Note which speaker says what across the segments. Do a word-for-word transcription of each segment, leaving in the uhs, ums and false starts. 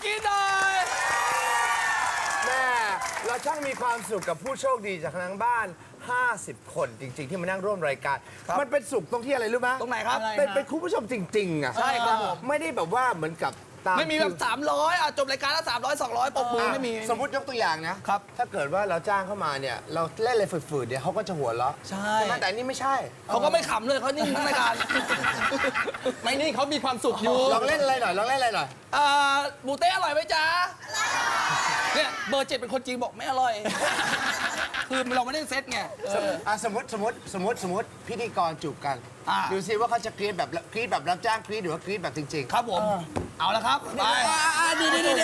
Speaker 1: รี๊ดหน่อย
Speaker 2: แม่เราช่างมีความสุขกับผู้โชคดีจากทางบ้านห้าสิบคนจริงๆที่มานั่งร่วมรายการมันเป็นสุขตรงที่อะไรรู้ไหม
Speaker 1: ตรงไหนครับ
Speaker 2: เป็นเป็นคุณผู้ชมจริงๆอ่ะ
Speaker 1: ใช่ครับผม
Speaker 2: ไม่ได้แบบว่าเหมือนกับตาม
Speaker 1: ไม่มีแบบสามร้อยอ่ะจบรายการแล้วสามร้อยสองร้อยปกมือไม่มี
Speaker 2: สมมติยกตัวอย่างนะครับ ถ้าเกิดว่าเราจ้างเข้ามาเนี่ยเราเล่นอะไรฝืดๆเนี่ยเขาก็จะหัวเราะ
Speaker 1: ใช่
Speaker 2: ไหมแต่อันนี่ไม่ใช่
Speaker 1: เขาก็ไม่ขำเลยเขานิ่งทั้งรายการ
Speaker 3: ไม่นี่เขามีความสุขอยู่
Speaker 2: ลองเล่นอะไรหน่อยลองเล่นอะไรหน่อย
Speaker 1: เอ่อบูเต้อร่อยไหมจ๊ะเนี่ยเบอร์เจ็ดเป็นคนจริงบอกไม่อร่อย คือเราไม่ได้เซตไงเออ
Speaker 2: อ่ะสมมติสมมติสมมติสมมติพิธีกรจูบกัน
Speaker 1: อ่ะ
Speaker 2: ดูซิว่าเขาจะกรี๊ดแบบกรี๊ดแบบรับจ้างกรี๊ดหรือว่ากรี๊ดแบบจริงๆ
Speaker 1: ครับผม เอาละครับไป
Speaker 2: ดีดีดี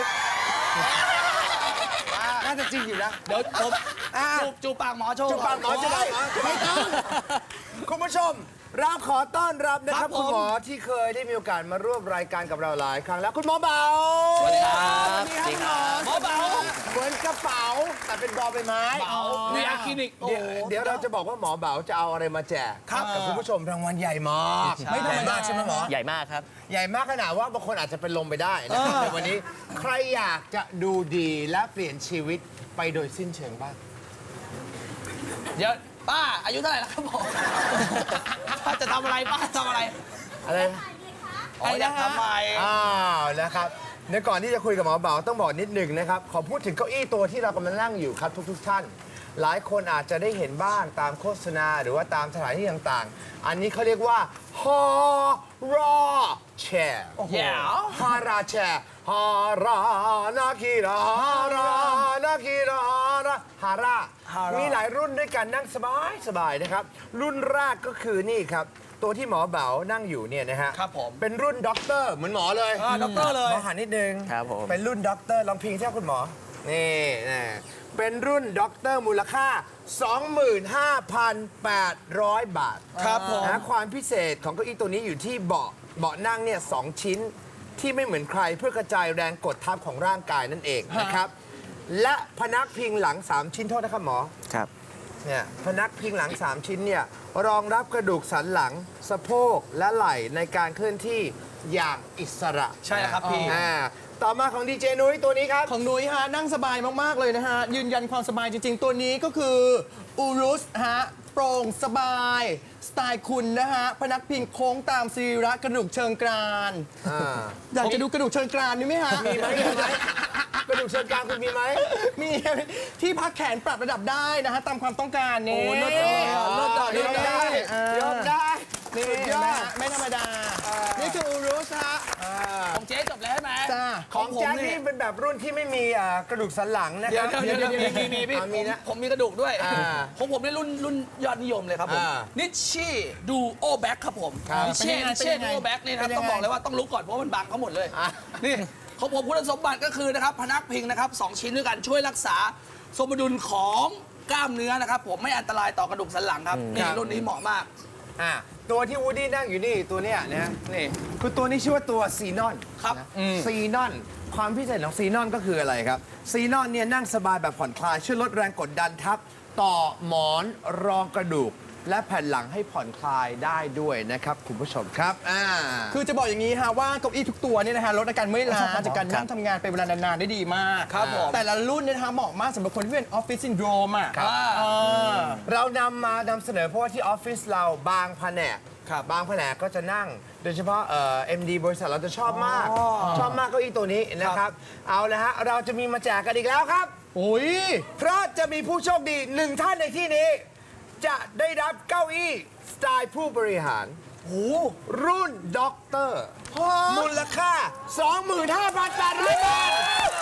Speaker 2: น่าจะจริงอยู่นะ
Speaker 1: เดี๋ยวผม
Speaker 2: อ่ะ
Speaker 1: จูบจูบปากหมอโชว์
Speaker 2: จูบปากหมอจะได้ไม่ต้องคุณผู้ชมเราขอต้อนรับนะค
Speaker 1: ครั
Speaker 2: รับบ
Speaker 1: ผม
Speaker 2: คุณหมอที่เคยได้มีโอกาสมาร่วมรายการกับเราหลายครั้งแล้วคุณหมอเบา
Speaker 1: สวัสดีครับ
Speaker 2: สวัสดีครับ
Speaker 1: หมอเบา
Speaker 2: เหมือนกระเป๋าแต่เป็นบอใบไม้
Speaker 1: เบาวีอาร์คลินิกโอ้
Speaker 2: เดี๋ยวเดี๋ยวเราจะบอกว่าหมอเบาจะเอาอะไรมาแจก
Speaker 1: ครับ
Speaker 2: กับคุณผู้ชมรางวัลใหญ่มาก
Speaker 3: ไม่ธรรมดา
Speaker 2: ใช่ไหมหมอ
Speaker 4: ใหญ่มากครับ
Speaker 2: ใหญ่มากขนาดว่าบางคนอาจจะเป็นลมไปได้นะครับในวันนี้ใครอยากจะดูดีและเปลี่ยนชีวิตไปโดยสิ้นเชิงบ้าง
Speaker 1: เดี๋ยวป้าอายุเท่าไหร่แล้วครับผมป้าจะทำอะไรป้าทำอะไร
Speaker 2: อะไรนะ
Speaker 1: อ๋ออยากทำไม
Speaker 2: อ้าวนะครับเดี๋ยวก่อนที่จะคุยกับหมอเบาต้องบอกนิดหนึ่งนะครับขอพูดถึงเก้าอี้ตัวที่เรากำลังนั่งอยู่ครับทุกๆท่าน หลายคนอาจจะได้เห็นบ้างตามโฆษณาหรือว่าตามสถานที่ต่างๆ อันนี้เขาเรียกว่าฮอราแชร์
Speaker 1: แย่
Speaker 2: ฮาราแชร์ฮารานาคิราฮารานาคิราฮาราฮารามีหลายรุ่นด้วยกันนั่งสบายสบายๆนะครับรุ่นแรกก็คือนี่ครับตัวที่หมอเบานั่งอยู่เนี่ยนะฮะ
Speaker 1: ครับผม
Speaker 2: เป็นรุ่นด็อกเตอร์เหมือนหมอเลย
Speaker 1: อ่าด็อกเตอร์เลย
Speaker 2: หมอหันนิดนึง
Speaker 4: ครับผม
Speaker 2: เป็นรุ่นด็อกเตอร์ลองพิงเท่าคุณหมอ นี่นะเป็นรุ่นด็อกเตอร์มูลค่า สองหมื่นห้าพันแปดร้อย บาท
Speaker 1: ครับผม
Speaker 2: นะความพิเศษของเก้าอี้ตัวนี้อยู่ที่เบาะเบาะนั่งเนี่ยสองชิ้นที่ไม่เหมือนใครเพื่อกระจายแรงกดทับของร่างกายนั่นเองนะครับ และพนักพิงหลัง สาม ชิ้นโทษนะครับหมอ
Speaker 4: ครับ
Speaker 2: เนี่ยพนักพิงหลัง สาม ชิ้นเนี่ยรองรับกระดูกสันหลังสะโพกและไหล่ในการเคลื่อนที่อย่างอิสระ
Speaker 1: ใช่ครับพี่
Speaker 2: อ่าต่อมาของดีเจนุ้ยตัวนี้ครับ
Speaker 3: ของนุ้ยฮะนั่งสบายมาก ๆ เลยนะฮะ ยืนยันความสบายจริง ๆ ตัวนี้ก็คืออูรุสฮะโปร่งสบาย สไตล์คุณนะฮะ พนักพิงโค้งตามสรีระกระดูกเชิงกราน
Speaker 2: อ่า
Speaker 3: อยากจะดูกระดูกเชิงกรานนี่ไหมฮะ
Speaker 2: มีไหมมีไหมกระดูกเชิงกรานคุณมีไหม
Speaker 3: มีที่พักแขนปรับระดับได้นะฮะ ตามความต้องการนี่
Speaker 2: โอ้เลิศเลยอ่ะเลิศอ่ะ
Speaker 3: ยอมได้
Speaker 2: ยอมได้
Speaker 3: นี่
Speaker 2: สุดยอ
Speaker 3: นะ
Speaker 2: ด
Speaker 3: ฮะไม่ธรรมดา นี่คืออูรุสฮะ
Speaker 1: ของเจ๊จบแล้วใช่ไหม
Speaker 3: จ้า
Speaker 2: ของ
Speaker 1: ผม
Speaker 2: แจ็ค
Speaker 1: นี่
Speaker 2: นี่เป็นแบบรุ่นที่ไม่มีอ่ากระดูกสันหลังนะค
Speaker 1: เดี๋ยว
Speaker 2: รับ
Speaker 1: เดี๋ยวเดี๋ยวเดี๋ยวมีมีพี่
Speaker 2: อ่ามีนะ
Speaker 1: ผมผมมีกระดูกด้วย
Speaker 2: อ่า
Speaker 1: ของผมนี่รุ่นรุ่นยอดนิยมเลยครับผม
Speaker 2: อ่า
Speaker 1: นิชชี่ดูโอแบ็คครับผม
Speaker 2: ครับ
Speaker 1: นิชชี่
Speaker 3: เป็นยังไง
Speaker 1: นิชชี่
Speaker 3: เป็นยังไง
Speaker 1: ดูโอแบ็คนี่นะครับ
Speaker 3: เป็นยังไง
Speaker 1: ต้องบอกเลยว่าต้องลุกก่อนเพราะว่ามันบังเขาหมดเลย
Speaker 2: อ่ะ
Speaker 1: นี่ของผมคุณสมบัติก็คือนะครับพนักพิงนะครับสองชิ้นด้วยกันช่วยรักษาสมดุลของกล้ามเนื้อนะครับผมไม่อันตรายต่อกระดูกสันหลังครับนี่รุ่นนี้เหมาะมาก
Speaker 2: อ่าตัวที่วูดดี้นั่งอยู่นี่ตัวเนี้ยนะนี่คือตัวนี้ชื่อว่าตัวซีนอน
Speaker 1: ครับ
Speaker 2: ซีนอนความพิเศษของซีนอนก็คืออะไรครับซีนอนเนี่ยนั่งสบายแบบผ่อนคลายช่วยลดแรงกดดันทับต่อหมอนรองกระดูก และแผ่นหลังให้ผ่อนคลายได้ด้วยนะครับคุณผู้ชมครับอ่า
Speaker 3: คือจะบอกอย่างนี้ฮะว่าเก้าอี้ทุกตัวเนี่ยนะฮะลดอาการเมื่อยล้าจากการนั่งทำงานเป็นเวลานานๆได้ดีมาก
Speaker 1: ครับผม
Speaker 3: แต่ละรุ่นเนี่ยนะฮะเหมาะมากสำหรับคนที่เป็นออฟฟิศซินโดรมอ่ะ
Speaker 2: ครับ
Speaker 3: อ่า
Speaker 2: เรานำมานำเสนอเพราะว่าที่ออฟฟิศเราบางแผนกบางแผนกก็จะนั่ง โดยเฉพาะเอ็มดีบริษัทเราจะชอบมาก ชอบมากเก้าอี้ตัวนี้นะครับ เอาละฮะเราจะมีมาแจกกันอีกแล้วครับ
Speaker 3: โอ้ย
Speaker 2: เพราะจะมีผู้โชคดีหนึ่งท่านในที่นี้ จะได้รับเก้าอี้สไตล์ผู้บริหารรุ่นด็อกเตอร์มูลค่า สองหมื่นห้าพันแปดร้อย บาท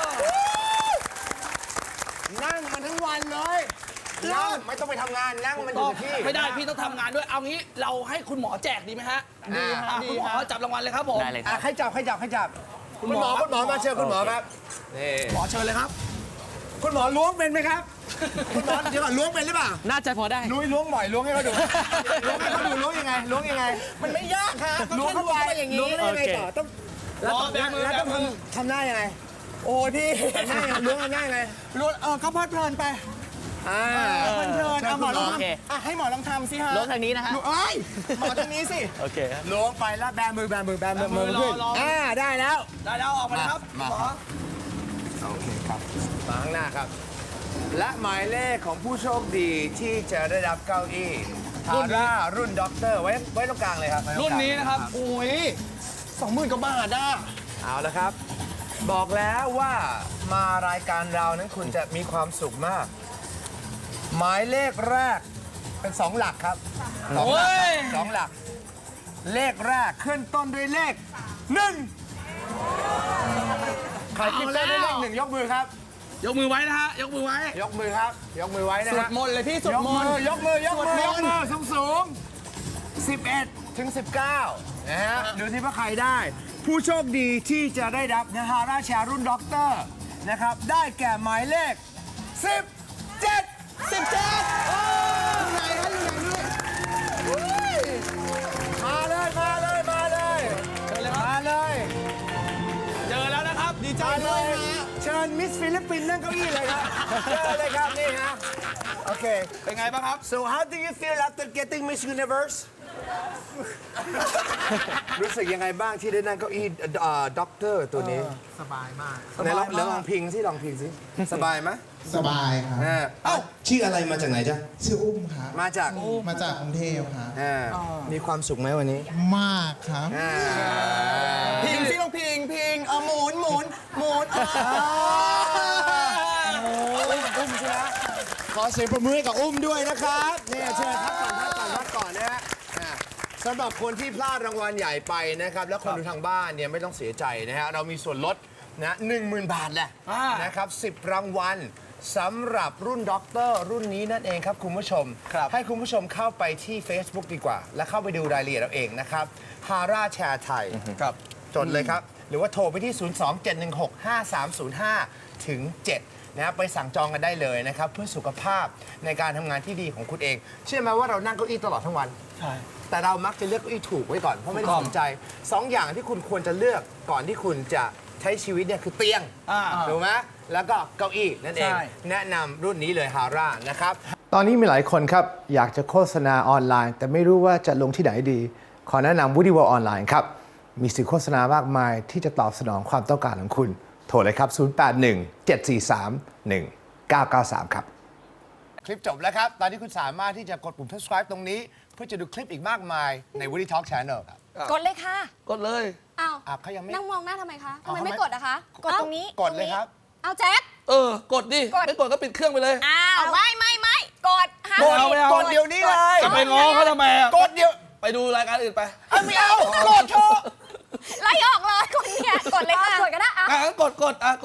Speaker 2: นั่งมันทั้งวันเลยนั่งไม่ต้องไปทำงานนั่งมันอยู่กับที่
Speaker 1: ไม่ได้พี่ต้องทำงานด้วยเอางี้เราให้คุณหมอแจกดีไหมฮะ
Speaker 2: ดีฮะ
Speaker 1: อ่ะ
Speaker 3: ดี
Speaker 1: คุณหมอ
Speaker 3: ฮะ
Speaker 1: จับรางวัลเลยครับผม
Speaker 4: ได้เลยค
Speaker 2: อ่ะ
Speaker 4: รับ
Speaker 2: ใครจับใครจับใครจับคุณหมอคุณหมอมาเชิญคุณหมอครับนี่
Speaker 1: หมอเชิญเลยครับ
Speaker 2: คุณหมอล้วงเป็นไหมครับ คุณหมอเดี๋ยวก่อนล้วงเป็นหรือเปล่า
Speaker 4: น่าจะพอได้
Speaker 2: นุ้ยล้วงบ่อยล้วงให้เขาดูล้วงให้เขาดูล้วงยังไงล้วงยังไง
Speaker 3: มันไม่ยากฮะก็
Speaker 2: ล้วง
Speaker 3: แค่
Speaker 2: เข้า
Speaker 3: ล้วง
Speaker 2: ไป
Speaker 3: เข้าไปอย่างนี้
Speaker 2: ล้วงได้ยังไงต่อต้องแล้ว
Speaker 1: รอ
Speaker 2: ต้อง
Speaker 1: แบมือ
Speaker 2: แล้วต้อง
Speaker 1: แบมือ
Speaker 2: ทำทำหน้ายังไง
Speaker 3: โอ้ยพี่
Speaker 2: ทำหน้ายังไงล้วงทำหน้ายังไง
Speaker 3: ล้วงเออก็เพลิดเพลินไป
Speaker 2: อ่า
Speaker 3: มันเทินเอาหมอลอง
Speaker 4: โอเค
Speaker 3: ทำอ่ะให้หมอลองทำสิฮะ
Speaker 4: ล้วงทางนี้นะฮะ
Speaker 3: เอ้ยหมอทางนี้สิ
Speaker 4: โอเคครับ
Speaker 2: ล้วงไปแล้วแบมือแบมือแบมือมือขึ้น
Speaker 1: รอรอ
Speaker 2: อ่าได้แล้ว
Speaker 1: ได้แล้วออกมาเลยครับ
Speaker 2: มา
Speaker 1: หมอ
Speaker 2: โอเคครับ มาข้างหน้าครับ และหมายเลขของผู้โชคดีที่จะได้รับเก้าอี้ฮาร่ารุ่นด็อกเตอร์ไว้ไว้ตรงกลางเลยครับไว้ตงกลาง
Speaker 1: รุ่นนี้นะครับ
Speaker 3: โอ้ยสองหมื่นกว่าบาทอ่ะ
Speaker 2: เอาละครับ บอกแล้วว่ามารายการเรานั้นคุณจะมีความสุขมาก หมายเลขแรกเป็นสองหลักครับสองหลักครับสองหลัก เลขแรกขึ้นต้นด้วยเลขหนึ่งใครขึ้นต้นด้วยเลขหนึ่งยกมือครับ
Speaker 1: ยกมือไว้นะฮะ ยกมือไว้
Speaker 2: ยกมือครับ ยกมือไว้นะ
Speaker 3: สว
Speaker 2: ฮะ
Speaker 3: ดมนต์เลยพี่สวด
Speaker 2: ยก
Speaker 3: ม
Speaker 2: มื
Speaker 3: นต์
Speaker 2: อยกมือยกมือ
Speaker 3: ส
Speaker 2: ยว
Speaker 3: ด
Speaker 2: ก
Speaker 3: มนต์
Speaker 2: มือสูงสูงสิบเอ็ดถึงสิบเก้านะฮะดูที่ว่าใครได้ ผู้โชคดีที่จะได้รับนะฮะราชารุ่นด็อกเตอร์นะครับ ได้แก่หมายเลขสิบเจ็ด
Speaker 3: สิบเจ็ดโอ้ยไหนฮะอยู่ไหนนี่
Speaker 2: มาเลย มาเลย มาเลย
Speaker 1: เชิญเลยครับ
Speaker 2: มาเลย
Speaker 1: เจอแล้วนะครับ
Speaker 3: ดีใจ
Speaker 2: มาเล
Speaker 3: ด้วย
Speaker 2: ย
Speaker 3: ฮะ
Speaker 2: เชิญมิสฟิลิปปินส์นั่งเก้าอี้เลยครับเชิญเลยครับ นี่ฮะ โอเค
Speaker 1: เป็นไงบ้างครับ
Speaker 2: so how do you feel after getting Miss Universe รู้สึกยังไงบ้างที่ได้นั่งเก้าอี้ด็อกเตอร์ตัวนี้
Speaker 3: สบายมาก
Speaker 2: ไหนลองลองพิงสิลองพิงสิ สบายไหม
Speaker 5: สบายครับ
Speaker 2: อ่า
Speaker 5: เอ้าชื่ออะไรมาจากไหนจ๊ะชื่ออุ้มครับ
Speaker 2: มาจาก
Speaker 5: มาจากกรุงเทพครับ
Speaker 2: อ่ามีความสุขไหมวันนี้
Speaker 5: มากครับ
Speaker 2: อ่า
Speaker 3: พิงสิลองพิงพิงเอาหมุนหมุนหมุนอ่า
Speaker 2: อุ้มใช่ไหมขอเสียงประมือให้กับอุ้มด้วยนะครับเนี่ยเชิญพักก่อนพักก่อนพักก่อนนะฮะอ่าสำหรับคนที่พลาดรางวัลใหญ่ไปนะครับ แล้วคนดูทางบ้านเนี่ยไม่ต้องเสียใจนะฮะเรามีส่วนลดนะหนึ่งหมื่นบาทแหละ
Speaker 1: อ่าน
Speaker 2: นะครับสิบรางวัลสำหรับรุ่นด็อกเตอร์รุ่นนี้นั่นเองครับคุณผู้ชม
Speaker 1: ครับ
Speaker 2: ให้คุณผู้ชมเข้าไปที่ Facebook ดีกว่า และเข้าไปดูรายละเอียดเราเองนะครับฮาร่าแชร์ไทย
Speaker 1: ครับ
Speaker 2: จดเลยครับ หรือว่าโทรไปที่ ศูนย์ สอง เจ็ด หนึ่ง หก ห้า สาม ศูนย์ ห้า ถึง เจ็ด นะครับไปสั่งจองกันได้เลยนะครับ เพื่อสุขภาพในการทำงานที่ดีของคุณเอง เชื่อไหมว่าเรานั่งเก้าอี้ตลอดทั้งวัน
Speaker 1: ใช่
Speaker 2: แต่เรามักจะเลือกเก้าอี้ถูกไว้ก่อน เพราะไม่ได้สนใจสองอย่างที่คุณควรจะเลือกก่อนที่คุณจะใช้ชีวิตเนี่ยคือเตียง
Speaker 1: อ่า
Speaker 2: ถูกไหมแล้วก็เก้าอี้นั่นเอง
Speaker 1: ใช่
Speaker 2: แนะนำรุ่นนี้เลยฮาร่านะครับ ตอนนี้มีหลายคนครับ อยากจะโฆษณาออนไลน์ แต่ไม่รู้ว่าจะลงที่ไหนดี ขอแนะนำ Woody World ออนไลน์ครับ มีสื่อโฆษณามากมายที่จะตอบสนองความต้องการของคุณ โทรเลยครับ ศูนย์ แปด หนึ่ง เจ็ด สี่ สาม หนึ่ง เก้า เก้า สาม ครับ คลิปจบแล้วครับ ตอนนี้คุณสามารถที่จะกดปุ่ม subscribe ตรงนี้ เพื่อจะดูคลิปอีกมากมายใน Woody Talk Channel ครับ
Speaker 6: กดเลยค่ะ
Speaker 1: กดเลย
Speaker 6: อ้าว
Speaker 2: อ่ะเขายังไม่
Speaker 6: นั่งมองหน้าทำไมคะทำ
Speaker 2: เอา
Speaker 6: ไม
Speaker 2: ทำไม
Speaker 6: ไม่กดอะคะ กดตรงนี้
Speaker 2: กดเลยครับ
Speaker 6: เอาแจ็ค
Speaker 1: เออ กดดิ
Speaker 6: กด
Speaker 1: ไม่กดก็ปิดเครื่องไปเลย
Speaker 6: อ้าว ไม่ไม่ไม่กดห้าม
Speaker 1: กดเอาไม่เอา
Speaker 2: กดเดี๋ยวนี้เลย
Speaker 1: จะไปง้อเขาทำไมอะ
Speaker 2: กดเดี๋ยว
Speaker 1: ไปดูรายการอื่นไป
Speaker 2: เอาไม่เอากดเถอะ
Speaker 6: ไล่ออกเลยคนเนี่ยกดเลยค่ะ กดก็ได้
Speaker 1: อ่ะงั้นกดกดอ่ะ